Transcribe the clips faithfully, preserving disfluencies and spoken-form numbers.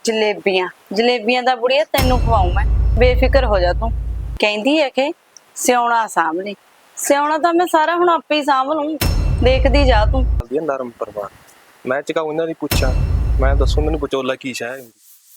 जलेबियां जलेबियां दा बुढ़िया तेनू खवाऊं मैं, बेफिक्र हो जा तू। कहंदी है कि सियाउणा साਂਭ ਲਈ सियाउणा ਤਾਂ मैं सारा ਹੁਣ ਆਪੇ ਹੀ ਸਾਂਭ ਲੂੰ, ਦੇਖਦੀ ਜਾ ਤੂੰ। ਵਧੀਆ ਨਰਮ ਪਰਿਵਾਰ ਮੈਂ ਚਕਾਉ ਇਹਨਾਂ ਦੀ ਪੁੱਛਾਂ, ਮੈਂ ਦੱਸੂ ਮੈਨੂੰ ਵਿਚੋਲਾ ਕੀ ਸ਼ੈ ਹੁੰਦੀ।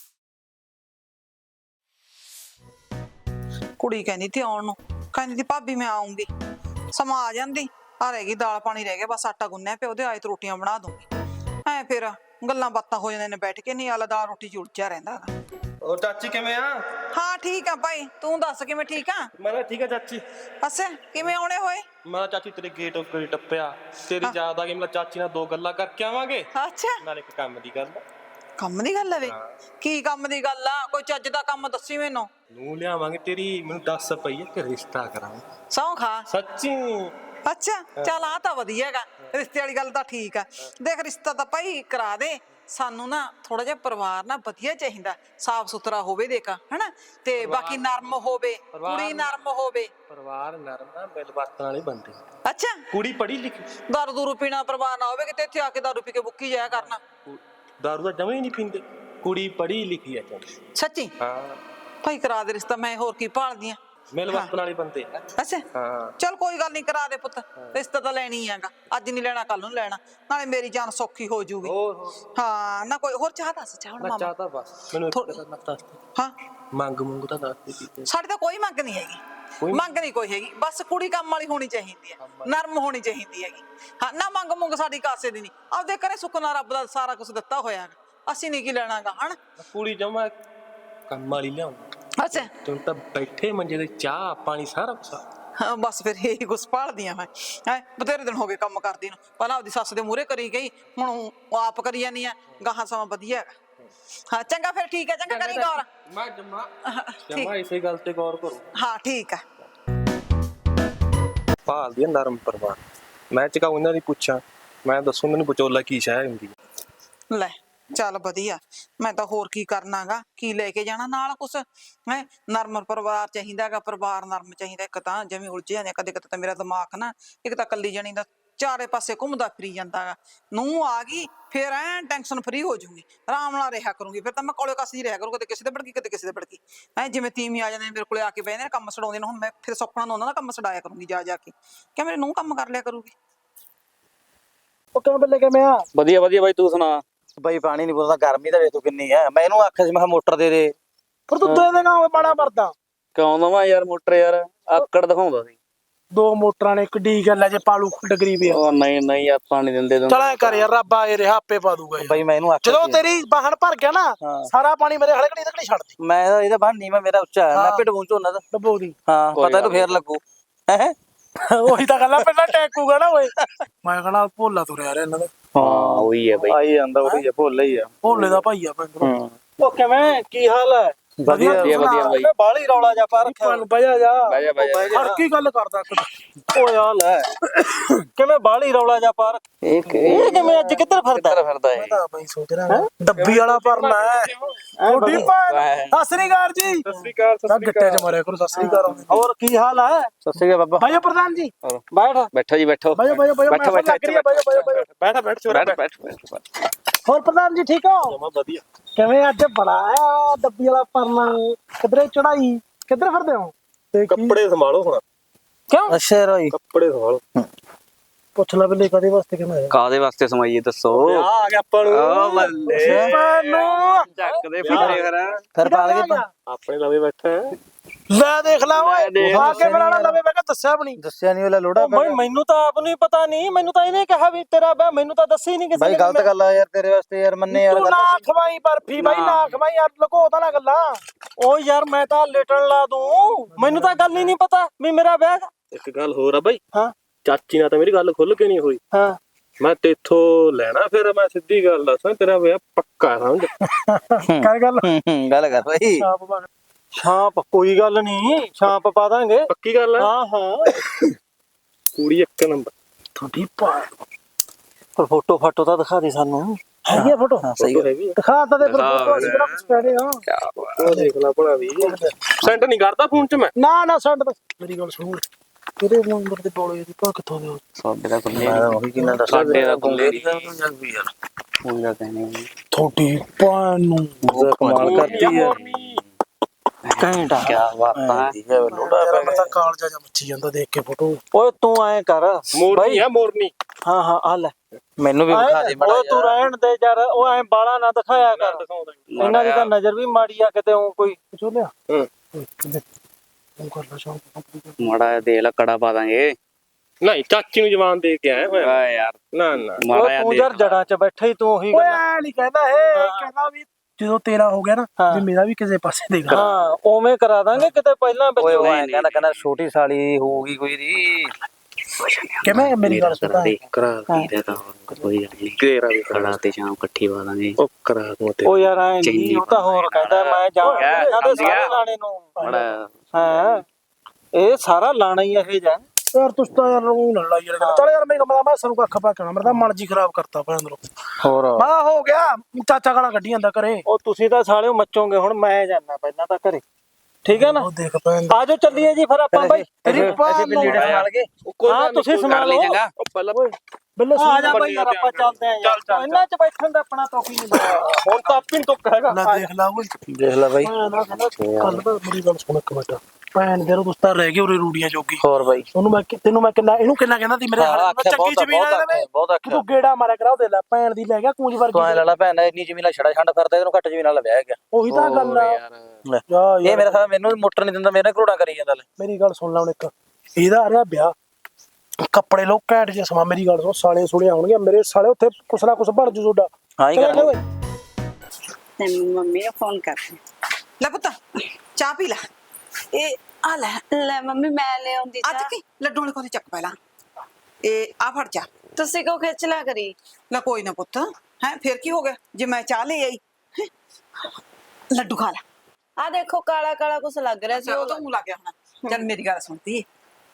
ਕੁੜੀ ਕਹਿੰਦੀ ਤੀ ਆਉਣ ਨੂੰ, ਕਹਿੰਦੀ ਤੀ ਭਾਬੀ ਮੈਂ ਆਉਂਗੀ, ਸਮਾਂ ਆ ਜਾਂਦੀ। ਆ ਰਹਿ ਗਈ ਦਾਲ ਪਾਣੀ ਰਹਿ ਗਿਆ, ਬਸ ਆਟਾ ਗੁੰਨਿਆ ਪਿਆ, ਉਹਦੇ ਆਏ ਤੇ ਰੋਟੀਆਂ ਬਣਾ ਦੂੰਗੀ। ਐ ਫਿਰ ਗੱਲਾਂ ਬਾਤਾਂ ਹੋ ਜਾਂਦੀਆਂ ਨੇ ਬੈਠ ਕੇ, ਨਹੀਂ ਆਲਾ ਦਾਲ ਰੋਟੀ ਚ ਉਲਝਿਆ ਰਹਿੰਦਾ ਗਾ। ਉਹ ਚਾਚੀ ਕਿਵੇਂ ਆ? ਹਾਂ ਠੀਕ ਆ ਭਾਈ, ਤੂੰ ਦੱਸ ਕਿਵੇਂ ਠੀਕ ਆ? ਮੈਂ ਤਾਂ ਠੀਕ ਆ ਚਾਚੀ। ਅੱਛਾ ਕਿਵੇਂ ਆਉਣੇ ਹੋਏ? ਮੈਂ ਚਾਚੀ ਤੇਰੇ ਗੇਟ ਉੱਤੇ ਟੱਪਿਆ, ਤੇਰੀ ਯਾਦ ਆ ਗਈ, ਮੈਂ ਚਾਚੀ ਨਾਲ ਦੋ ਗੱਲਾਂ ਕਰਕੇ ਆਵਾਂਗੇ, ਅੱਛਾ ਨਾਲ ਇੱਕ ਕੰਮ ਦੀ ਗੱਲ। ਕੰਮ ਦੀ ਗੱਲ ਆ ਵੇ? ਕੀ ਕੰਮ ਦੀ ਗੱਲ ਆ? ਕੋਈ ਚੱਜ ਦਾ ਕੰਮ ਦੱਸੀ ਮੈਨੂੰ। ਨੂੰ ਲਿਆਵਾਂਗੇ ਤੇਰੀ, ਮੈਨੂੰ ਦੱਸ ਪਈ ਹੈ ਕਿ ਰਿਸ਼ਤਾ ਕਰਾਵਾਂ। ਸਹੁੰ ਖਾ। ਸੱਚੀ? ਅੱਛਾ ਚੱਲ ਆ ਤਾਂ ਵਧੀਆ ਹੈਗਾ, ਰਿਸ਼ਤੇ ਵਾਲੀ ਗੱਲ ਤਾਂ ਠੀਕ ਆ। ਦੇਖ ਰਿਸ਼ਤਾ ਤਾਂ ਭਾਈ ਕਰਾ ਦੇ, ਸਾਨੂੰ ਨਾ ਥੋੜਾ ਜਿਹਾ ਪਰਿਵਾਰ ਨਾ ਵਧੀਆ ਚਾਹੀਦਾ, ਸਾਫ ਸੁਥਰਾ ਹੋਵੇ ਦੇਖਾ ਹਨਾ, ਤੇ ਬਾਕੀ ਨਰਮ ਹੋਵੇ, ਕੁੜੀ ਨਰਮ ਹੋਵੇ। ਪਰਿਵਾਰ ਨਰਮ ਨਾ ਮਿਲ ਵਰਤਣ ਵਾਲੇ ਬੰਦੇ। ਅੱਛਾ ਕੁੜੀ ਪੜ੍ਹੀ ਲਿਖੀ, ਦਾਰੂ ਦੂਰੂ ਪੀਣਾ ਪਰਿਵਾਰ ਨਾ ਹੋਵੇ ਕਿਤੇ ਇੱਥੇ ਆ ਕੇ ਦਾਰੂ ਪੀ ਕੇ ਬੁੱਕੀ ਜਾਇਆ ਕਰਨਾ। ਦਾਰੂ ਤਾਂ ਜਮਾਂ ਹੀ ਨਹੀਂ ਪੀਂਦੇ, ਕੁੜੀ ਪੜ੍ਹੀ ਲਿਖੀ ਹੈ ਚੰਗੀ। ਸੱਚੀ? ਹਾਂ ਭਾਈ ਕਰਾ ਦੇ ਰਿਸ਼ਤਾ, ਮੈਂ ਹੋਰ ਕੀ ਭਾਲਦੀ ਆ। ਮਿਲ ਵਰਤਣ ਵਾਲੇ ਬੰਦੇ ਆ। ਅੱਛਾ ਹਾਂ ਚੱਲ ਕੋਈ ਗੱਲ ਨਹੀਂ, ਕਰਾ ਦੇ ਪੁੱਤ, ਰਿਸ਼ਤਾ ਤਾਂ ਲੈਣੀ ਹੈਗਾ, ਅੱਜ ਨਹੀਂ ਲੈਣਾ ਕੱਲ ਨੂੰ ਲੈਣਾ, ਨਾਲੇ ਮੇਰੀ ਜਾਨ ਸੌਖੀ ਹੋ ਜੂਗੀ। ਹਾਂ ਨਾ ਕੋਈ ਹੋਰ ਚਾਹ ਦੱਸ, ਚਾਹ ਹੁਣ ਮਾਮਾ ਚਾਹ ਤਾਂ ਬਸ ਮੈਨੂੰ ਇੱਕ ਗੱਲ ਦੱਸ। ਹਾਂ ਮੰਗ ਮੁੰਗ ਤਾਂ ਦੱਸ ਦੇ ਕੀਤੀ। ਸਾਡੇ ਤਾਂ ਕੋਈ ਮੰਗ ਨਹੀਂ ਹੈਗੀ, ਮੰਗ ਨਹੀਂ ਕੋਈ ਹੈਗੀ, ਬਸ ਕੁੜੀ ਕੰਮ ਵਾਲੀ ਹੋਣੀ ਚਾਹੀਦੀ ਹੈ, ਨਰਮ ਹੋਣੀ ਚਾਹੀਦੀ ਹੈਗੀ। ਹਾਂ ਨਾ ਮੰਗ ਮੁੰਗ ਸਾਡੀ ਕਾਸੇ ਦੀ ਨਹੀਂ, ਆਪਦੇ ਘਰੇ ਸੁੱਖ ਨਾਲ ਰੱਬ ਦਾ ਸਾਰਾ ਕੁਝ ਦਿੱਤਾ ਹੋਇਆ, ਅਸੀਂ ਨਹੀਂ ਕੀ ਲੈਣਾਗਾ ਹਣ। ਕੁੜੀ ਜਮਾ ਕੰਮ ਵਾਲੀ ਲਿਆਉਂ। ਅੱਛਾ ਤੂੰ ਤਾਂ ਬੈਠੇ ਮੰਜੇ ਤੇ ਚਾਹ ਪਾਣੀ ਸਾਰਾ ਕੁਛ। ਹਾਂ ਬਸ ਫਿਰ ਇਹੀ ਕੁਛ ਭਾਲਦੀਆਂ ਮੈਂ, ਹੈ ਬਥੇਰੇ ਦਿਨ ਹੋ ਗਏ ਕੰਮ ਕਰਦੀ ਨੂੰ, ਪਹਿਲਾਂ ਆਪਦੀ ਸੱਸ ਦੇ ਮੂਹਰੇ ਕਰੀ ਗਈ, ਹੁਣ ਉਹ ਆਪ ਕਰੀ ਜਾਂਦੀ ਆ, ਗਾਹਾਂ ਸਮਾਂ ਵਧੀਆ ਹੈਗਾ। ਹਾਂ ਚੰਗਾ ਫਿਰ ਠੀਕ ਹੈ, ਚੰਗਾ ਕਰੀ ਗੌਰ। ਮੈਂ ਜਮਾ ਜਮਾ ਇਸੇ ਗੱਲ ਤੇ ਗੌਰ ਕਰੋ। ਹਾਂ ਠੀਕ ਆ। ਭਾਲਦੀ ਨਰਮ ਪਰਿਵਾਰ, ਮੈਂ ਚਕਾਉ ਇਹਨਾਂ ਦੀ ਪੁੱਛਾਂ, ਮੈਂ ਦੱਸੂ ਮੈਨੂੰ ਵਿਚੋਲਾ ਕੀ ਸ਼ੈ ਹੁੰਦੀ। ਲੈ ਚੱਲ ਵਧੀਆ, ਮੈਂ ਤਾਂ ਹੋਰ ਕੀ ਕਰਨਾਗਾ, ਕੀ ਲੈ ਕੇ ਜਾਣਾ ਨਾਲ ਕੁਛ ਹੈ। ਨਰਮ ਪਰਿਵਾਰ ਚਾਹੀਦਾ ਗਾ, ਪਰਿਵਾਰ ਨਰਮ ਚਾਹੀਦਾ। ਇੱਕ ਤਾਂ ਜਿਵੇਂ ਉਲਝਿਆ ਨੇ, ਕਦੇ ਕਦੇ ਤਾਂ ਮੇਰਾ ਦਿਮਾਗ ਨਾ, ਇੱਕ ਤਾਂ ਕੱਲੀ ਜਣੀ ਦਾ ਚਾਰੇ ਪਾਸੇ ਘੁੰਮਦਾ ਫਿਰੀ ਜਾਂਦਾ ਗਾ। ਨੂੰਹ ਆ ਗਈ ਫਿਰ ਐਂ ਟੈਨਸ਼ਨ ਫਰੀ ਹੋ ਜੂਗੀ, ਆਰਾਮ ਨਾਲ ਰਿਹਾ ਕਰੂੰਗੀ, ਫਿਰ ਤਾਂ ਮੈਂ ਕੋਲੇ ਕੱਸਦੀ ਰਿਹਾ ਕਰੂੰ, ਕਦੇ ਕਿਸੇ ਦੇ ਭੜਕੀ ਕਦੇ ਕਿਸੇ ਦੇ ਭੜਕੀ। ਐਂ ਜਿਵੇਂ ਤੀਵੀਂ ਆ ਜਾਂਦੇ ਮੇਰੇ ਕੋਲੇ ਆ ਕੇ ਬਹਿੰਦੇ ਨੇ, ਕੰਮ ਛਡਾਉਂਦੇ ਨੇ, ਹੁਣ ਮੈਂ ਫਿਰ ਸੁਪਨਾ ਨੂੰ ਉਹਨਾਂ ਦਾ ਕੰਮ ਛਡਾਇਆ ਕਰੂੰਗੀ ਜਾ ਜਾ ਕੇ, ਕਿ ਮੇਰੇ ਨੂੰਹ ਕੰਮ ਕਰ ਲਿਆ ਕਰੂਗੀ। ਉਹ ਕਿਵੇਂ ਬੱਲੇ ਕਿਵੇਂ ਆ? ਵਧੀਆ ਵਧੀਆ ਬਾਈ, ਤੂੰ ਸੁਣਾ? ਬਾਈ ਪਾਣੀ ਨਹੀਂ ਪੁੱਛਦਾ, ਗਰਮੀ ਤਾਂ ਵੇਖ ਤੂੰ ਕਿੰਨੀ ਹੈ। ਮੈਂ ਇਹਨੂੰ ਆਖਿਆ ਸੀ ਮੈਂ ਕਿਹਾ ਮੋਟਰ ਦੇ ਦੇ, ਪਰ ਤੂੰ ਦੇ ਦੇਗਾ ਉਹ ਮਾੜਾ ਮਰਦਾ। ਕਿਉਂ ਦਵਾਂ ਯਾਰ ਮੋਟਰ, ਯਾਰ ਆਕੜ ਦਿਖਾਉਂਦਾ ਸੀ। ਦੋ ਮੋਟਰਾਂ ਨੇ, ਇੱਕ ਡੀ ਗੱਲ ਹੈ ਜੇ ਪਾਲੂ ਖੁੱਡ ਗਰੀਬ ਆ। ਉਹ ਨਹੀਂ ਨਹੀਂ ਆਪਾਂ ਨਹੀਂ ਦਿੰਦੇ। ਚਲ ਐ ਕਰ ਯਾਰ, ਰੱਬ ਆ ਰਿਹਾ ਆਪੇ ਪਾ ਦੂਗਾ ਯਾਰ। ਬਾਈ ਮੈਂ ਇਹਨੂੰ ਆਖਿਆ ਜਦੋਂ ਤੇਰੀ ਬਾਹਣ ਭਰ ਗਿਆ ਨਾ, ਸਾਰਾ ਪਾਣੀ ਮੇਰੇ ਹਲਕੜੀ ਤੱਕ ਛੱਡਦੀ। ਮੈਂ ਇਹਦਾ ਬਾਹਰ ਨੀਵਾਂ ਮੇਰਾ ਉੱਚਾ ਹੈ, ਮੈਂ ਪਿੱਡ ਪਹੁੰਚੋ ਉਹਨਾਂ ਦਾ ਡੱਬੋ ਦੀ। ਹਾਂ ਪਤਾ ਇਹਨੂੰ ਫੇਰ ਲੱਗੂ ਹੈ। ਉਹੀ ਤਾਂ ਗੱਲਾਂ ਪਹਿਲਾਂ ਟੈਕੂਗਾ ਨਾ ਓਏ। ਮੈਂ ਕਹਣਾ ਭੋਲਾ ਤੁਰਿਆ ਰਿਹਾ ਇਹਨਾਂ ਦਾ। ਹਾਂ ਉਹੀ ਹੈ ਬਾਈ, ਆਈ ਜਾਂਦਾ ਉਹੀ ਆ, ਭੋਲਾ ਹੀ ਆ, ਭੋਲੇ ਦਾ ਭਾਈ ਆ ਭੰਗ। ਉਹ ਕਿਵੇਂ ਕੀ ਹਾਲ ਹੈ? ਵਧੀਆ ਵਧੀਆ ਵਧੀਆ ਬਾਈ। ਬਾਹਲੀ ਰੌਲਾ ਜਾ ਪਾ ਰੱਖਿਆ, ਬਹਿ ਜਾ। ਬਹਿ ਜਾ ਬਹਿ ਜਾ। ਹਰ ਕੀ ਗੱਲ ਕਰਦਾ ਓਏ ਆ ਲੈ, ਕਿਵੇਂ ਬਾਹਲੀ ਰੌਲਾ ਜਾ ਪਾ ਰੱਖਿਆ। ਇਹ ਇਹ ਕਿਵੇਂ ਅੱਜ ਕਿੱਧਰ ਫਿਰਦਾ ਫਿਰਦਾ ਮੈਂ ਤਾਂ ਬਈ ਸੋਚ ਰਿਹਾ ਡੱਬੀ ਵਾਲਾ ਭਰਨਾ ਹੈ। ਥੋੜੀ ਭੈਣ ਸਤਿ ਸ੍ਰੀ ਅਕਾਲ ਜੀ। ਸਤਿ ਸ੍ਰੀ ਅਕਾਲ। ਤਾਂ ਗੱਟੇ ਚ ਮਾਰਿਆ ਕਰੋ। ਸਤਿ ਸ੍ਰੀ ਅਕਾਲ। ਹੋਰ ਕੀ ਹਾਲ ਹੈ? ਸਤਿ ਸ੍ਰੀ ਅਕਾਲ ਬਾਬਾ। ਭਾਈਓ ਪ੍ਰਧਾਨ ਜੀ ਬੈਠ। ਬੈਠੋ ਜੀ ਬੈਠੋ ਭਾਈਓ ਭਾਈਓ ਭਾਈਓ ਬੈਠੋ ਬੈਠੋ ਬੈਠ ਬੈਠ ਚੋਰਾ ਬੈਠ ਬੈਠ ਬੈਠ। ਹੋਰ ਪ੍ਰਧਾਨ ਜੀ ਠੀਕ ਹੋ? ਜਮਾ ਵਧੀਆ। ਕਿਵੇਂ ਅੱਜ ਬੜਾ ਆ ਡੱਬੀ ਵਾਲਾ ਭਰਨਾ, ਕਿਧਰੇ ਚੜਾਈ, ਕਿੱਧਰ ਫਿਰਦੇ ਹੋ? ਕੱਪੜੇ ਸੰਭਾਲੋ ਹੁਣ। ਕਿਉਂ? ਅੱਛਾ ਰੋਈ ਕੱਪੜੇ ਸੰਭਾਲੋ। ਪੁੱਛ ਲੈ ਬਿੱਲੇ ਕਦੇ ਵਾਸਤੇ ਕਿਵੇਂ ਆਇਆ? ਕਾਦੇ ਵਾਸਤੇ ਸਮਾਈਏ ਦੱਸੋ? ਆ ਆ ਗਿਆ ਆਪਾਂ ਨੂੰ। ਓ ਬੱਲੇ ਮੈਨੂੰ ਚੱਕਦੇ ਫਿਰੇ ਫਿਰ ਫਿਰ ਪਾਲ ਕੇ ਆਪਣੇ ਲਵੇ ਬੈਠਾ ਹੈ। ਲੈ ਦੇਖ ਲਾ ਓਏ, ਆ ਕੇ ਬਣਾ ਲਵੇ। ਮੈਂ ਕਿਹਾ ਦੱਸਿਆ ਵੀ ਨਹੀਂ। ਦੱਸਿਆ ਨਹੀਂ ਉਹਲਾ ਲੋੜਾ ਬਈ ਮੈਨੂੰ ਤਾਂ ਆਪ ਨੂੰ ਪਤਾ ਨਹੀਂ, ਮੈਨੂੰ ਤਾਂ ਇਹਨੇ ਕਿਹਾ ਵੀ ਤੇਰਾ ਵਿਆਹ, ਮੈਨੂੰ ਤਾਂ ਦੱਸੀ ਨਹੀਂ ਕਿਸੇ ਨੇ। ਬਾਈ ਗਲਤ ਗੱਲ ਆ ਯਾਰ ਤੇਰੇ ਵਾਸਤੇ, ਯਾਰ ਮੰਨੇ ਯਾਰ। ਤੂੰ ਨਾ ਖਵਾਈ ਬਰਫੀ ਬਾਈ, ਨਾ ਖਵਾਈ ਯਾਰ, ਲਗੋ ਤਾਂ ਨਾ ਗੱਲਾਂ। ਓ ਯਾਰ ਮੈਂ ਤਾਂ ਲੇਟਣ ਲਾ ਦੂੰ, ਮੈਨੂੰ ਤਾਂ ਗੱਲ ਹੀ ਨਹੀਂ ਪਤਾ ਵੀ ਮੇਰਾ ਵਿਆਹ। ਇੱਕ ਗੱਲ ਹੋਰ ਆ ਬਾਈ। ਹਾਂ ਚਾਚੀ ਨਾਲ ਤਾਂ ਮੇਰੀ ਗੱਲ ਖੁੱਲ ਕੇ ਨਹੀਂ ਹੋਈ। ਹਾਂ ਮੈਂ ਤੇਥੋਂ ਲੈਣਾ, ਫਿਰ ਮੈਂ ਸਿੱਧੀ ਗੱਲ ਦੱਸਾਂ, ਤੇਰਾ ਵਿਆਹ ਪੱਕਾ ਸਮਝ। ਕਰ ਗੱਲ ਗੱਲ ਕਰ ਬਾਈ। ਛਾਪ ਕੋਈ ਗੱਲ ਨਹੀਂ, ਛਾਪ ਪਾ ਦਾਂਗੇ। ਪੱਕੀ ਗੱਲ ਆ। ਹਾਂ ਹਾਂ ਕੁੜੀ ਇੱਕ ਨੰਬਰ ਤੁਹਾਡੀ ਪਾ। ਪਰ ਫੋਟੋ ਫਾਟੋ ਤਾਂ ਦਿਖਾ ਦੇ ਸਾਨੂੰ। ਹੈਗੀ ਆ ਫੋਟੋ? ਸਹੀ ਹੈਗੀ ਆ। ਦਿਖਾ ਤਾਂ ਦੇ ਫਿਰ ਫੋਟੋ, ਅਸੀਂ ਕਿਹੜਾ ਕੁਝ ਕਹਿ ਰਹੇ ਹਾਂ। ਉਹ ਦੇਖ ਲੈ ਭਲਾ ਵੀ ਸੈਂਡ ਨਹੀਂ ਕਰਦਾ ਫੋਨ 'ਚ ਮੈਂ। ਨਾ ਨਾ ਛੱਡ, ਮੇਰੀ ਗੱਲ ਸੁਣ। ਕਿਹੜੇ ਨੰਬਰ ਦੇ ਬੋਲੇ ਦੀ ਭਾ ਕਿੱਥੋਂ ਦੇ ਹੋ? ਸਾਡੇ ਦਾ ਕੁੱਲੇ ਮੈਂ ਉਹੀ ਕਿੰਨਾ ਦੱਸ ਸਾਡੇ ਦਾ ਕੁੱਲੇ ਦੀ ਤਾਂ ਉਹਨੂੰ ਜੱਗ ਵੀ ਯਾਰ ਕੋਈ ਦਾ ਕਹਿੰਦੇ ਥੋੜੀ ਭੈਣ ਨੂੰ ਕਮਾਲ ਕਰਦੀ ਹੈ ਘੈਂਟਾ ਕੀ ਬਾਤਾਂ ਠੀਕ ਹੈ ਲੋੜਾ ਤੇਰਾ ਪੈ ਬੰਦਾ ਕਾਲਜਾ ਜਾਂ ਮੱਚੀ ਜਾਂਦਾ ਦੇਖ ਕੇ ਫੋਟੋ। ਓਏ ਤੂੰ ਐਂ ਕਰ ਮੋਰਨੀ ਆ ਮੋਰਨੀ। ਹਾਂ ਹਾਂ ਆ ਲੈ ਮੈਨੂੰ ਵੀ ਵਿਖਾ ਦੇ ਓਏ ਤੂੰ ਰਹਿਣ ਦੇ ਯਾਰ, ਉਹ ਐਂ ਬਾਲਾ ਨਾ ਦਿਖਾਇਆ ਕਰ। ਇਹਨਾਂ ਦੀ ਤਾਂ ਨਜ਼ਰ ਵੀ ਮਾੜੀ ਆ ਕਿਤੇ ਉਹ ਕੋਈ ਚੋਲਿਆ ਹੂੰ ਉਹ ਕਰ ਲਾ ਸ਼ੌਂਕ ਮਾੜਾ ਦੇ ਲਾ ਕੜਾ ਪਾ ਦਾਂਗੇ। ਨਹੀਂ ਚਾਚੀ ਨੂੰ ਜਵਾਨ ਦੇ ਕੇ ਆਇਆ ਹੋਇਆ। ਆ ਯਾਰ ਨਾ ਨਾ ਮਾੜਾ ਓਏ ਜਿਹਾ ਤੂੰ ਦੇ ਯਾਰ ਜੜਾਂ 'ਚ ਬੈਠਾ ਹੀ ਤੂੰ ਉਹੀ ਓਏ ਗੱਲ। ਐ ਨਹੀਂ ਕਹਿੰਦਾ ਇਹ ਕਹਿੰਦਾ ਵੀ ਜਦੋਂ ਤੇਰਾ ਹੋ ਗਿਆ ਨਾ ਹਾਂ। ਵੀ ਮੇਰਾ ਵੀ ਕਿਸੇ ਪਾਸੇ ਦੇਗਾ। ਹਾਂ ਉਵੇਂ ਕਰਾ ਦਾਂਗੇ ਕਿਤੇ ਪਹਿਲਾਂ ਵਿੱਚ। ਓਏ ਉਹ ਐਂ ਕਹਿੰਦਾ ਕਹਿੰਦਾ ਛੋਟੀ ਸਾਲੀ ਹੋਊਗੀ ਕੋਈ ਦੀ ਕਿਵੇਂ ਮੇਰੀ ਗੱਲ ਸੁਣਦਾ ਦੇ ਕਰਾ ਇਹਦਾ ਤਾਂ ਕੋਈ ਗੱਲ ਨਹੀਂ। ਤੇਰਾ ਵੀ ਕਰਾ ਕੜਾ ਤੇ ਸ਼ਾਮ ਇਕੱਠੀ ਪਾ ਦਾਂਗੇ। ਉਹ ਕਰਾ ਦੂੰ ਤੇ ਉਹ ਯਾਰ ਐ ਨਹੀਂ, ਉਹ ਤਾਂ ਹੋਰ ਕਹਿੰਦਾ ਮੈਂ ਜਾਵਾਂ ਕਿਆ ਇਹਨਾਂ ਦੇ ਸਮਝ ਗਿਆ? ਸਾਰੇ ਲਾਣੇ ਨੂੰ। ਮਾੜਾ ਹਾਂ ਇਹ ਸਾਰਾ ਲਾਣਾ ਹੀ ਇਹ ਜਾ। ਯਾਰ ਤੁਸੀਂ ਤਾਂ ਯਾਰ ਉਹ ਨਾ ਲੜਾਈ ਯਾਰ ਚੱਲ ਯਾਰ ਮੇਰੀ ਮੈਂ ਮੈਂ ਸਾਨੂੰ ਕੱਖ ਪਾ ਕੇ ਆਉਣਾ, ਮੇਰਾ ਤਾਂ ਮਨ ਜੀ ਖਰਾਬ ਕਰਤਾ ਭੈਣ ਅੰਦਰੋਂ। ਹੋਰ ਮੈਂ ਹੋ ਗਿਆ ਚਾਚਾ ਗਾਲਾਂ ਕੱਢੀ ਜਾਂਦਾ ਘਰੇ। ਉਹ ਤੁਸੀਂ ਤਾਂ ਸਾਲਿਓ ਮੱਚੋਗੇ ਹੁਣ, ਮੈਂ ਜਾਣਾ ਪਹਿਲਾਂ ਤਾਂ ਘਰੇ, ਠੀਕ ਹੈ ਨਾ? ਉਹ ਦੇਖ ਭੈਣ ਆਜੋ ਚੱਲੀਏ ਜੀ ਫਿਰ ਆਪਾਂ ਬਾਈ। ਤੇਰੀ ਅਸੀਂ ਪਾਲ ਵੀ ਲੀੜੇ ਸੰਭਾਲ ਕੇ ਹਾਂ ਤੁਸੀਂ ਕਰ ਸੰਭਾਲ ਲਈ ਲਓ। ਚੰਗਾ। ਉਹ ਪਹਿਲਾਂ ਬਿੱਲੇ ਆ ਜਾ ਬਾਈ ਯਾਰ ਆਪਾਂ ਚੱਲਦੇ ਆਂ ਯਾਰ। ਇਹਨਾਂ 'ਚ ਬੈਠਣ ਦਾ ਆਪਣਾ ਤੋਕੀ ਨਹੀਂ ਬਣਿਆ ਹੁਣ ਤਾਂ ਆਪੀ ਟੁੱਕ ਹੈਗਾ। ਨਾ ਦੇਖ ਲਾ ਓਏ ਦੇਖ ਲੈ ਬਾਈ। ਮੈਂ ਨਾ ਕਹਿੰਦਾ ਕੱਲ ਤਾਂ ਮੇਰੀ ਗੱਲ ਸੁਣ ਇੱਕ ਮਿੰਟ। ਭੈਣ ਦੇ ਦੋਸਤ ਤਾਂ ਰਹਿ ਗਏ ਉਰੇ ਰੂੜੀਆਂ ਜੋਗੀ। ਹੋਰ ਬਾਈ ਉਹਨੂੰ ਮੈਂ ਕਿ- ਤੈਨੂੰ ਮੈਂ ਕਿੰਨਾ ਇਹਨੂੰ ਕਿੰਨਾ ਕਹਿੰਦਾ ਸੀ ਮੇਰੇ ਹਾਂ, ਹਾਲ ਨਾਲ ਆਖਿਆ ਚੰਗੀ ਬਹੁਤ ਜ਼ਮੀਨ ਬਹੁਤ ਆ ਆਖਿਆ ਬਹੁਤ ਆਖਿਆ ਤੂੰ ਗੇੜਾ ਮਾਰਿਆ ਕਰਾ ਉਹਦੇ ਲੈ ਭੈਣ ਦੀ ਲੈ ਗਿਆ ਕੂੰਜ ਤੂੰ ਐ ਵਰਗੀ। ਲੜਾ ਭੈਣ ਇੰਨੀ ਜ਼ਮੀਨ ਛੜਾ ਛੰਡ ਫਿਰਦਾ ਇਹਨੂੰ ਘੱਟ ਜ਼ਮੀਨ ਨਾਲ ਵਿਆਹ ਗਿਆ ਉਹੀ ਤਾਂ ਗੱਲ ਆ ਯਾਰ ਲੈ ਜਾ ਇਹ ਯਾਰ ਮੇਰਾ ਸਾਲਾ ਮੈਨੂੰ ਮੋਟਰ ਨਹੀਂ ਦਿੰਦਾ, ਮੇਰੇ ਨਾਲ ਘੋੜਾ ਕਰੀ ਜਾਂਦਾ ਲੈ ਮੇਰੀ ਗੱਲ ਸੁਣ ਲੈ ਹੁਣ ਇੱਕ। ਇਹਦਾ ਆ ਰਿਹਾ ਵਿਆਹ, ਕੱਪੜੇ ਲੋ ਘੈਂਟ ਜੇ ਸਮਾਂ। ਮੇਰੀ ਗੱਲ ਸੁਣ, ਸਾਲੇ ਸੁਲੇ ਆਉਣਗੇ ਮੇਰੇ ਸਾਲੇ, ਉੱਥੇ ਕੁਛ ਨਾ ਕੁਛ ਬਣ ਜੂ ਤੁਹਾਡਾ। ਹਾਂ ਹੀ ਚੱਲ ਕਰਾਂਗੇ ਓਏ ਤੈਨੂੰ ਮੰਮੀ ਨੂੰ ਫੋਨ ਕਰ। ਲੈ ਪੁੱਤ ਚਾਹ ਪੀ ਲੈ। ਇਹ ਆ ਲੈ ਲੈ ਮੰਮੀ ਮੈਂ ਲੈ ਆਉਂਦੀ ਅੱਜ ਚਾਹ। ਕੀ ਲੱਡੂ ਵਾਲੇ ਕੋਲ ਚੱਕ ਪਹਿਲਾਂ। ਇਹ ਆ ਫੜ ਜਾ। ਤੁਸੀਂ ਕਿਉਂ ਖਿੱਚ ਲਿਆ ਕਰੀ? ਲੈ ਕੋਈ ਨਾ ਪੁੱਤ, ਹੈ ਫਿਰ ਕੀ ਹੋ ਗਿਆ ਜੇ ਮੈਂ ਚਾਹ ਲੈ ਆਈ। ਹੈਂ? ਲੱਡੂ ਖਾ ਲੈ। ਆ ਦੇਖੋ ਕਾਲਾ ਕਾਲਾ ਕੁਛ ਲੱਗ ਰਿਹਾ ਸੀ ਉਹ ਉਹ। ਤਾਂ ਮੂੰਹ ਲੱਗ ਗਿਆ ਹੁਣ। ਚੱਲ ਮੇਰੀ ਗੱਲ ਸੁਣਦੀ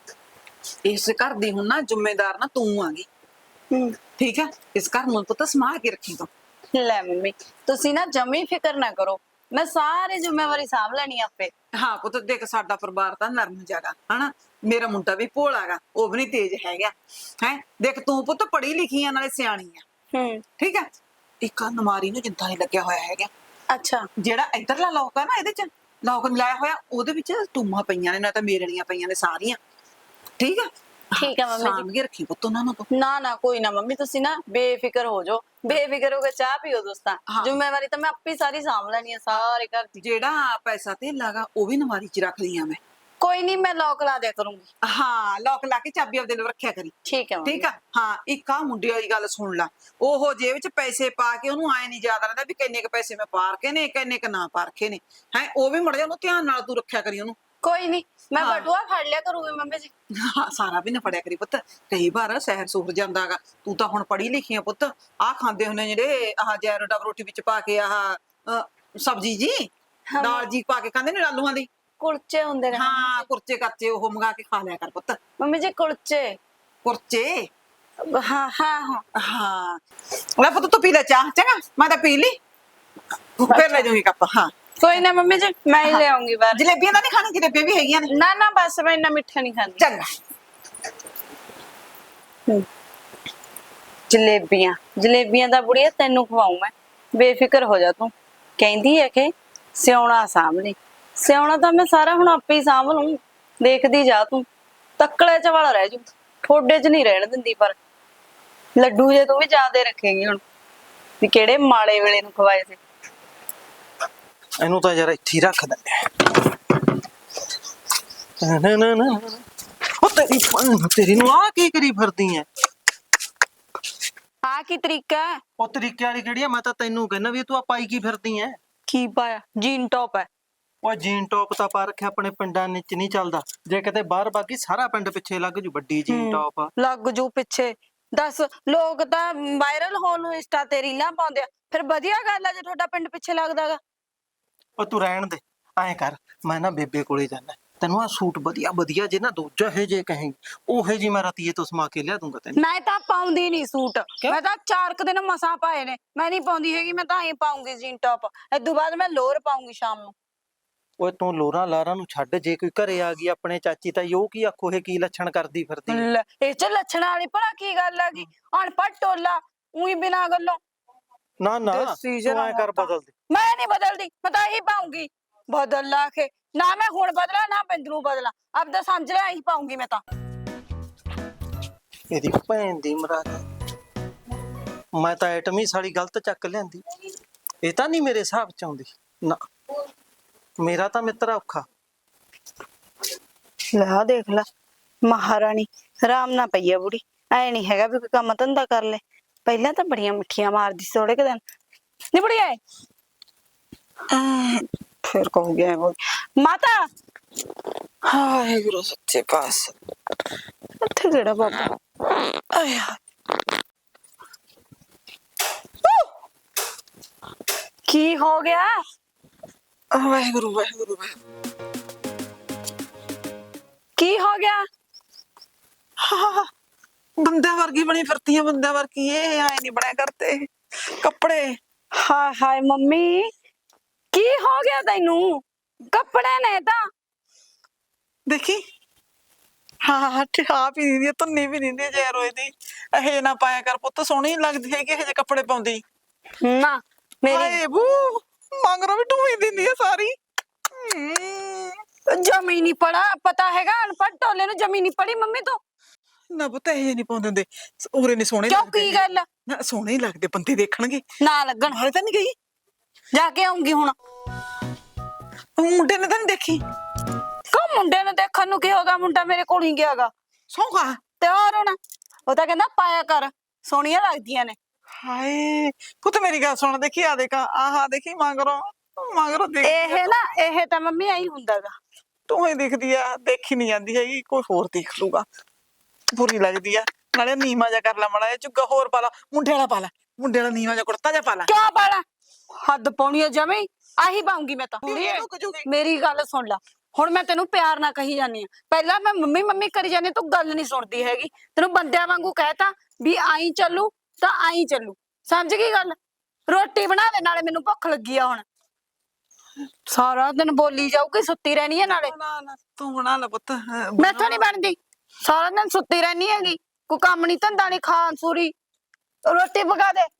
ਇਸ ਘਰ ਦੀ ਹੁਣ ਨਾ ਜ਼ਿੰਮੇਦਾਰ ਨਾ ਤੂੰ ਆ ਗਈ, ਹੂੰ। ਠੀਕ ਹੈ? ਇਸ ਘਰ ਨੂੰ ਪੁੱਤ ਸੰਭਾਲ ਕੇ ਰੱਖੀ ਤੂੰ। ਲੈ ਮੰਮੀ ਤੁਸੀਂ ਨਾ ਜਮੀ ਫਿਕਰ ਨਾ ਕਰੋ, ਮੈਂ ਸਾਰੀ ਜ਼ਿੰਮੇਵਾਰੀ ਸਾਂਭ ਲੈਣੀ ਆਪੇ। ਹਾਂ ਪੁੱਤ ਦੇਖ ਸਾਡਾ ਪਰਿਵਾਰ ਤਾਂ ਨਰਮ ਜਾਗਾ ਹਨਾ। ਮੇਰਾ ਮੁੰਡਾ ਵੀ ਭੋਲਾ ਗਾ, ਉਹ ਵੀ ਨਹੀਂ ਤੇਜ਼ ਹੈਗਾ। ਹੈ ਦੇਖ ਤੂੰ ਪੁੱਤ ਪੜ੍ਹੀ ਲਿਖੀ ਆ ਨਾਲੇ ਸਿਆਣੀ ਆ, ਹੂੰ। ਠੀਕ ਹੈ? ਇੱਕ ਨਮਾਰੀ ਨੂੰ ਜਿੰਦਾ ਨਹੀਂ ਲੱਗਿਆ ਹੋਇਆ ਹੈਗਾ। ਅੱਛਾ ਜਿਹੜਾ ਇਧਰਲਾ ਲੋਕ ਆ ਨਾ ਇਹਦੇ ਚ ਲੋਕ ਨੀ ਲਾਇਆ ਹੋਇਆ, ਉਹਦੇ ਵਿੱਚ ਟੂਮਾਂ ਪਈਆਂ ਨੇ, ਨਾ ਤਾਂ ਮੇਰਣੀਆਂ ਪਈਆਂ ਨੇ ਸਾਰੀਆਂ, ਠੀਕ ਹੈ? ਠੀਕ ਹੈ ਮੰਮੀ ਜੀ। ਸਾਂਭ ਕੇ ਰੱਖੀ ਪੁੱਤ ਉਹਨਾਂ ਨੂੰ ਤੂੰ। ਨਾ ਨਾ ਕੋਈ ਨਾ ਮੰਮੀ, ਤੁਸੀਂ ਨਾ ਬੇਫਿਕਰ ਹੋ ਜਾਓ, ਬੇਫਿਕਰ ਹੋ ਕੇ ਚਾਹ ਪੀਓ ਦੋਸਤਾਂ। ਹਾਂ। ਜ਼ਿੰਮੇਵਾਰੀ ਤਾਂ ਮੈਂ ਆਪੇ ਸਾਰੀ ਸਾਂਭ ਲੈਣੀ ਆ ਸਾਰੇ ਘਰ ਦੀ। ਜਿਹੜਾ ਪੈਸਾ ਧੇਲਾ ਗਾ ਉਹ ਵੀ ਨਮਾਰੀ ਚ ਰੱਖ ਲਈ ਆ ਮੈਂ। ਕੋਈ ਨਹੀਂ ਮੈਂ ਲੋਕ ਲਾ ਦਿਆ ਕਰੂੰਗੀ। ਹਾਂ ਲੋਕ ਲਾ ਕੇ ਚਾਬੀ ਆਪਦੇ ਨਾਲ ਰੱਖਿਆ ਕਰੀ, ਠੀਕ ਹੈ ਮੰਮੀ। ਠੀਕ ਆ? ਹਾਂ ਇੱਕ ਆ ਮੁੰਡੇ ਵਾਲੀ ਗੱਲ ਸੁਣ ਲਾ, ਉਹ ਜੇਬ ਚ ਪੈਸੇ ਪਾ ਕੇ ਉਹਨੂੰ ਆਏ ਨਹੀਂ ਯਾਦ ਰਹਿੰਦਾ ਵੀ ਕਿੰਨੇ ਕ ਪੈਸੇ ਮੈਂ ਪਾ ਰਖੇ ਨੇ ਕਿੰਨੇ ਕ ਨਾ ਪਾ ਰਖੇ ਨੇ। ਹੈ ਉਹ ਵੀ ਮੁੜ ਜਾ, ਉਹਨੂੰ ਧਿਆਨ ਨਾਲ ਤੂੰ ਰੱਖਿਆ ਕਰੀ ਉਹਨੂੰ। ਕੋਈ ਨਹੀਂ ਮੈਂ ਹਾਂ। ਬਟੂਆ ਫੜ ਲਿਆ ਕਰੂੰਗੀ ਮੰਮੀ ਜੀ। ਹਾਂ ਸਾਰਾ ਵੀ ਨਾ ਫੜਿਆ ਕਰੀ ਪੁੱਤ, ਕਈ ਵਾਰ ਸਹਿਰ ਸੂਰ ਜਾਂਦਾਗਾ। ਤੂੰ ਤਾਂ ਹੁਣ ਪੜ੍ਹੀ ਲਿਖੀ ਆ ਪੁੱਤ, ਆਹ ਖਾਂਦੇ ਹੁੰਦੇ ਜਿਹੜੇ ਆਹ ਜੈਰੋ ਡਬ ਰੋਟੀ ਵਿੱਚ ਪਾ ਕੇ ਆਹ ਅਹ, ਸਬਜ਼ੀ ਜੀ ਹਾਂ। ਦਾਲ ਜੀ ਪਾ ਕੇ ਖਾਂਦੇ ਨੇ ਆਲੂਆਂ ਦੀ। ਕੁਲਚੇ ਹੁੰਦੇ ਨੇ ਹਾਂ ਕੁਰਚੇ ਕਰਚੇ ਉਹ ਮੰਗਾ ਕੇ ਖਾ ਲਿਆ ਕਰ ਪੁੱਤ। ਮੰਮੀ ਜੀ, ਕੁਲਚੇ। ਕੁਰਚੇ ਹਾਂ ਹਾਂ ਹਾਂ ਹਾਂ। ਲੈ ਪੁੱਤ ਤੂੰ ਪੀ ਲੈ ਚਾਹ, ਚੰਗਾ? ਮੈਂ ਤਾਂ ਪੀ ਲਈ, ਫਿਰ ਲੈ ਜਾਊਂਗੀ ਕੱਪ। ਹਾਂ ਕੋਈ ਨਾ ਮੰਮੀ ਜੀ, ਮੈਂ ਹੀ ਲੈ ਆਉਂਗੀ ਬਾਹਰ। ਜਲੇਬੀਆਂ ਤਾਂ ਨਹੀਂ ਖਾਣੀ? ਜਲੇਬੀਆਂ ਵੀ ਹੈਗੀਆਂ ਨੇ। ਨਾ ਨਾ ਬਸ ਮੈਂ ਇੰਨਾ ਮਿੱਠਾ ਨਹੀਂ ਖਾਂਦੀ। ਚੰਗਾ। ਜਲੇਬੀਆਂ ਜਲੇਬੀਆਂ ਦਾ ਬੁੜੀਆ ਤੈਨੂੰ ਖਵਾਉਂ ਮੈਂ, ਬੇਫਿਕਰ ਹੋ ਜਾ ਤੂੰ। ਕਹਿੰਦੀ ਹੈ ਕਿ ਸਿਉਣਾ ਸਾਂਭ ਲਈ, ਸਿਉਣਾ ਤਾਂ ਮੈਂ ਸਾਰਾ ਹੁਣ ਆਪੇ ਹੀ ਸਾਂਭ ਲੂੰ। ਦੇਖਦੀ ਜਾ ਤੂੰ, ਤੱਕਲੇ ਚ ਵਾਲਾ ਰਹਿ ਜੂ, ਠੋਡੇ ਚ ਨਹੀਂ ਰਹਿਣ ਦਿੰਦੀ। ਪਰ ਲੱਡੂ ਜੇ ਤੂੰ ਵੀ ਜ਼ਿਆਦੇ ਰੱਖੇਂਗੀ ਹੁਣ, ਵੀ ਕਿਹੜੇ ਮਾੜੇ ਵੇਲੇ ਨੂੰ ਖਵਾਏ ਸੀ। ਇਹਨੂੰ ਤਾਂ ਯਾਰ ਇੱਥੇ ਹੀ ਰੱਖ ਦਿੰਦੇ ਆ। ਨਾ ਨਾ ਨਾ ਉਹ ਤੇਰੀ ਭੈਣ, ਤੇਰੀ ਨੂੰ ਆ ਕੀ ਕਰੀ ਫਿਰਦੀ ਐ? ਆ ਕੀ ਤਰੀਕਾ ਹੈ? ਉਹ ਤਰੀਕੇ ਵਾਲੀ ਕਿਹੜੀ ਆ? ਮੈਂ ਤਾਂ ਤੈਨੂੰ ਕਹਿੰਦਾ ਵੀ ਤੂੰ ਆ ਪਾਈ ਕੀ ਫਿਰਦੀ ਐ? ਕੀ ਪਾਇਆ? ਜੀਨ ਟੌਪ ਹੈ। ਉਹ ਜੀਨ ਟੌਪ ਤਾਂ ਪਾ ਰੱਖਿਆ, ਆਪਣੇ ਪਿੰਡਾਂ ਵਿੱਚ ਨਹੀਂ ਚੱਲਦਾ। ਜੇ ਕਿਤੇ ਬਾਹਰ ਬਾਕੀ ਸਾਰਾ ਪਿੰਡ ਪਿੱਛੇ ਲੱਗ ਜੂ ਵੱਡੀ ਜੀਨ ਹੂੰ। ਟੌਪ। ਲੱਗ ਜੂ ਪਿੱਛੇ। ਦੱਸ, ਲੋਕ ਤਾਂ ਵਾਇਰਲ ਹੋਣ ਨੂੰ ਇੰਸਟਾ ਤੇ ਰੀਲਾਂ ਪਾਉਂਦੇ ਆ, ਫਿਰ ਵਧੀਆ ਗੱਲ ਆ ਜੇ ਤੁਹਾਡਾ ਪਿੰਡ ਪਿੱਛੇ ਲੱਗਦਾਗਾ। ਉਹ ਤੂੰ ਰਹਿਣ ਦੇ, ਐਂ ਕਰ ਮੈਂ ਨਾ ਬੇਬੇ ਕੋਲੇ ਜਾਣਾ, ਤੈਨੂੰ ਆ ਸੂਟ ਵਧੀਆ ਵਧੀਆ ਜੇ ਨਾ ਦੂਜਾ ਹੈ ਜੇ ਕਹੇਂਗੀ ਉਹੇ ਜੀ ਮੈਂ ਰਾਤੀਏ ਤੋਂ ਸਮਾ ਕੇ ਲਿਆ ਦੂੰਗਾ ਤੈਨੂੰ। ਮੈਂ ਤਾਂ ਪਾਉਂਦੀ ਨਹੀਂ ਸੂਟ, ਮੈਂ ਤਾਂ ਚਾਰ ਕੁ ਦਿਨ ਮਸਾਂ ਪਾਏ ਨੇ, ਮੈਂ ਨਹੀਂ ਪਾਉਂਦੀ ਹੈਗੀ। ਮੈਂ ਤਾਂ ਹੀ ਪਾਉਂਗੀ ਜੀਨ ਟੌਪ, ਇਦੋਂ ਬਾਅਦ ਮੈਂ ਲੋਅਰ ਪਾਉਂਗੀ ਸ਼ਾਮ ਨੂੰ। ਓਏ ਤੂੰ ਲੋਰਾਂ ਲਾਰਾਂ ਨੂੰ ਛੱਡ, ਜੇ ਕੋਈ ਘਰੇ ਆ ਗਈ ਆਪਣੇ ਚਾਚੀ ਤਾਈ, ਉਹ ਕੀ ਆਖੋ ਇਹ ਕੀ ਲੱਛਣ ਕਰਦੀ ਫਿਰਦੀ ਹੈ? ਲੈ, ਇਹ ਚ ਲੱਛਣਾਂ ਵਾਲੀ ਭਲਾ ਕੀ ਗੱਲ ਆ ਗਈ? ਅਨਪੜ੍ਹ ਟੋਲਾ ਉਹੀ ਬਿਨਾਂ ਗੱਲੋਂ। ਨਾ ਨਾ ਦੇਸੀ ਤੂੰ ਐ ਕਰ ਜਰਾ ਬਦਲ ਦੇ। ਮੈਂ ਨਹੀਂ ਬਦਲਦੀ, ਮੈਂ ਤਾਂ ਇਹੀ ਪਾਉਂਗੀ। ਬਦਲ ਲਾ ਕੇ ਨਾ ਮੈਂ ਹੁਣ ਬਦਲਾ ਨਾ ਬਿੰਦੂ ਬਦਲਾ, ਆਪਦਾ ਸਮਝ ਲੈ ਇਹੀ ਪਾਉਂਗੀ ਮੈਂ ਤਾਂ। ਇਹਦੀ ਭੈਣ ਦੀ ਮਰਾਦ, ਮੈਂ ਤਾਂ ਐਟਮੀ ਸਾਲੀ ਗਲਤ ਚੱਕ ਲਿਆਂਦੀ। ਇਹ ਤਾਂ ਨਹੀਂ ਮੇਰੇ ਹਿਸਾਬ ਚ ਆਉਂਦੀ ਨਾ, ਮੇਰਾ ਤਾਂ ਮਿੱਤਰ ਔਖਾ। ਲੈ ਆਹ ਦੇਖ ਲੈ, ਮਹਾਰਾਣੀ ਆਰਾਮ ਨਾ ਪਈ ਆ ਬੁੜੀ, ਐ ਨਹੀਂ ਹੈਗਾ ਵੀ ਕੋਈ ਕੰਮ ਧੰਦਾ ਕਰ ਲੈ। ਪਹਿਲਾਂ ਤਾਂ ਬੜੀਆਂ ਮਿੱਠੀਆਂ ਮਾਰਦੀ ਸੀ ਥੋੜੇ ਕੁ ਦਿਨ, ਨੀ ਬੁੜੀ ਐ ਫਿਰ ਕਹੂ ਗਿਆ ਬੋਲ ਮਾਤਾ। ਹਾਏ ਗੁਰੂ ਸੱਚੇ ਪਾਸ, ਇੱਥੇ ਕਿਹੜਾ ਬਾਬਾ ਆਏ ਕੀ ਹੋ ਗਿਆ? ਵਾਹਿਗੁਰੂ ਵਾਹਿਗੁਰੂ ਵਾਹਿਗੁਰੂ। ਕੀ ਹੋ ਗਿਆ? ਹਾਂ, ਬੰਦਿਆਂ ਵਰਗੀ ਬਣੀ ਫਿਰਤੀ ਆ, ਬੰਦਿਆਂ ਵਰਗੀ। ਇਹ ਆਏ ਨਹੀਂ ਬਣਿਆ ਕਰਤੇ ਕੱਪੜੇ। ਹਾਏ ਹਾਏ ਮੰਮੀ, ਕੀ ਹੋ ਗਿਆ ਤੈਨੂੰ? ਕੱਪੜੇ ਨੇ ਤਾਂ ਦੇਖੀ, ਹਾਂ ਹਾਂ ਆਪ ਹੀ ਨਹੀਂ ਧੁੰਨੀ ਵੀ ਨਹੀਂ ਜੇ ਰੋਏ ਦੀ। ਇਹ ਨਾ ਪਾਇਆ ਕਰ ਪੁੱਤ, ਸੋਹਣੀ ਲੱਗਦੀ ਹੈਗੀ ਇਹ ਜੇ ਕੱਪੜੇ ਪਾਉਂਦੀ। ਨਾ ਮੇਰੀ ਹਾਏ ਬੂ, ਮੰਗਰੋਂ ਵੀ ਢੂਹੀ ਦਿੰਦੀ ਆ ਸਾਰੀ। ਹਮ, ਜ਼ਮੀਨੀ ਪੜਾ ਪਤਾ ਹੈਗਾ, ਅਨਪੜ੍ਹ ਟੋਲੇ ਨੂੰ ਜ਼ਮੀਨੀ ਪੜੀ ਮੰਮੀ ਤੋਂ। ਨਾ ਪੁੱਤ ਇਹ ਨਹੀਂ ਪਾਉਂਦੇ ਹੁੰਦੇ, ਉਰੇ ਨਹੀਂ ਸੋਹਣੇ ਕਿਉਂ ਲੱਗਦੇ। ਕੀ ਗੱਲ? ਨਾ ਸੋਹਣੇ ਹੀ ਲੱਗਦੇ, ਬੰਦੇ ਦੇਖਣਗੇ। ਨਾ ਲੱਗਣ, ਹਾਲੇ ਤਾਂ ਨਹੀਂ ਗਈ, ਜਾ ਕੇ ਆਉਂਗੀ ਹੁਣ। ਉਹ ਮੁੰਡੇ ਨੇ ਤਾਂ ਨਹੀਂ ਦੇਖੀ। ਕੋ ਮੁੰਡੇ ਨੂੰ ਦੇਖਣ ਨੂੰ ਕੀ ਹੋਗਾ? ਮੁੰਡਾ ਮੇਰੇ ਕੋਲ ਹੀ ਗਿਆਗਾ। ਸੌਂਗਾ ਤੇ ਹੋਰ ਹੁਣ ਉਹ ਤਾਂ ਕਹਿੰਦਾ ਪਾਇਆ ਕਰ, ਸੋਹਣੀਆਂ ਲੱਗਦੀਆਂ ਨੇ। ਹਾਏ ਪੁੱਤ ਮੇਰੀ ਗੱਲ ਸੁਣ, ਦੇਖੀ ਆ ਦੇਖਾ, ਆਹਾ ਦੇਖੀ ਮੰਗਰੋਂ ਮੰਗਰੋਂ ਦੇਖ। ਇਹ ਨਾ ਇਹ ਤਾਂ ਮੰਮੀ ਐਂ ਹੁੰਦਾਗਾ। ਤੂੰ ਹੀ ਦਿਖਦੀ ਆ, ਦੇਖੀ ਨਹੀਂ ਜਾਂਦੀ ਹੈਗੀ, ਕੋਈ ਹੋਰ ਦੇਖ ਲੂਗਾ। ਬੁਰੀ ਲੱਗਦੀ ਆ। ਨਾਲੇ ਨੀਵਾਂ ਜਾ ਕਰ ਲੈ ਮਾੜਾ ਜਿਹਾ, ਝੁੱਗਾ ਹੋਰ ਪਾ ਲਾ, ਮੁੰਡੇ ਵਾਲਾ ਪਾ ਲੈ, ਮੁੰਡੇ ਵਾਲਾ ਨੀਵਾਂ ਜਾ ਕੁੜਤਾ ਜਾ ਪਾ ਲੈ। ਕਿਉਂ ਪਾਲਾ? ਹੱਦ ਪਾਉਣੀ ਆ ਜਮੇ, ਆਹੀ ਪਾਉਂਗੀ ਮੈਂ ਤਾਂ। ਕੁੜੀਏ ਰੁਕ ਜੂਗੀ। ਮੇਰੀ ਗੱਲ ਸੁਣ ਲੈ, ਹੁਣ ਮੈਂ ਤੈਨੂੰ ਪਿਆਰ ਨਾਲ ਕਹੀ ਜਾਨੀ ਆ। ਪਹਿਲਾਂ ਮੈਂ ਮੰਮੀ ਮੰਮੀ ਕਰੀ ਜਾਨੀ, ਤੂੰ ਗੱਲ ਨਹੀਂ ਸੁਣਦੀ ਹੈਗੀ। ਤੈਨੂੰ ਬੰਦਿਆਂ ਵਾਂਗੂ ਕਹਿਤਾ ਵੀ ਆਈ ਚੱਲੂ ਤਾਂ ਆਈ ਚੱਲੂ, ਸਮਝ ਗਈ ਗੱਲ? ਰੋਟੀ ਬਣਾ ਦੇ, ਨਾਲੇ ਮੈਨੂੰ ਭੁੱਖ ਲੱਗੀ ਆ ਹੁਣ। ਸਾਰਾ ਦਿਨ ਬੋਲੀ ਜਾਊਗੀ, ਸੁੱਤੀ ਰਹਿਣੀ ਹੈ ਨਾਲੇ। ਨਾ ਨਾ ਤੂੰ ਬਣਾ ਲੈ ਪੁੱਤ। ਮੈਥੋਂ ਨਹੀਂ ਬਣਦੀ, ਸਾਰਾ ਦਿਨ ਸੁੱਤੀ ਰਹਿਣੀ ਹੈਗੀ, ਕੋਈ ਕੰਮ ਨਹੀਂ ਧੰਦਾ ਨਹੀਂ, ਖਾਣ ਸੂਰੀ। ਰੋਟੀ ਪਕਾ ਦੇ।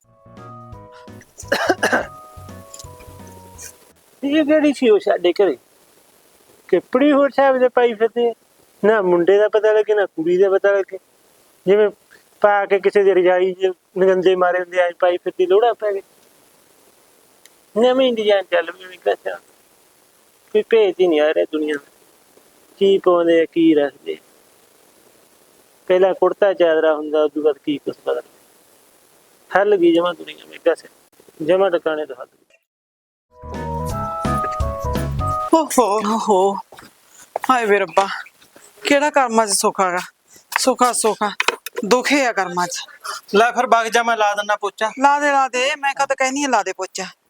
ਇਹ ਕਿਹੜੀ ਸੀ ਉਹ ਸਾਡੇ ਘਰੇ ਕੱਪੜੀ ਹੋਰ ਸਾਹਿਬ ਦੇ ਪਾਈ ਫਿਰਦੇ, ਨਾ ਮੁੰਡੇ ਦਾ ਪਤਾ ਲੱਗੇ ਨਾ ਕੁੜੀ ਦਾ ਪਤਾ ਲੱਗੇ। ਜਿਵੇਂ ਪਾ ਕੇ ਕਿਸੇ ਦੀ ਰਜਾਈ ਚ ਨਗੰਦੇ ਮਾਰੇ ਹੁੰਦੇ ਆ ਪਾਈ ਫਿਰਦੀ, ਲੋੜਾ ਪੈ ਗਈ। ਨਵੀਂ ਡਿਜ਼ਾਈਨ ਚੱਲ ਪਈ, ਮੈਂ ਕਿਹਾ ਕੋਈ ਭੇਤ ਹੀ ਨਹੀਂ ਆ ਰਿਹਾ ਦੁਨੀਆ ਦਾ, ਕੀ ਪਾਉਂਦੇ ਆ ਕੀ ਰੱਖਦੇ। ਪਹਿਲਾਂ ਕੁੜਤਾ ਚਾਦਰਾ ਹੁੰਦਾ, ਉਦੋਂ ਬਾਅਦ ਕੀ ਕੁਛ ਬਦਲ ਹੱਲ ਗਈ ਜਮਾ ਦੁਨੀਆ। ਮੈਂ ਕਿਹਾ ਜਮਾ ਟਿਕਾਣੇ ਤੋਂ ਹੱਲ ਗਈ। ਓਹੋ ਹੋ, ਹਾਏ ਵੇ ਰੱਬਾ, ਕਿਹੜਾ ਕਰਮਾਂ ਚ ਸੁੱਖ ਹੈਗਾ? ਸੁੱਖਾ ਸੁੱਖਾ ਦੁਖੇ ਆ ਕਰਮਾਂ ਚ। ਲੈ ਫਿਰ ਵਗ ਜਾ, ਮੈਂ ਲਾ ਦਿੰਦਾ ਪੋਚਾ। ਲਾ ਦੇ ਲਾ ਦੇ, ਮੈਂ ਕਦ ਕਹਿਨੀ ਆ ਲਾ ਦੇ ਪੋਚਾ।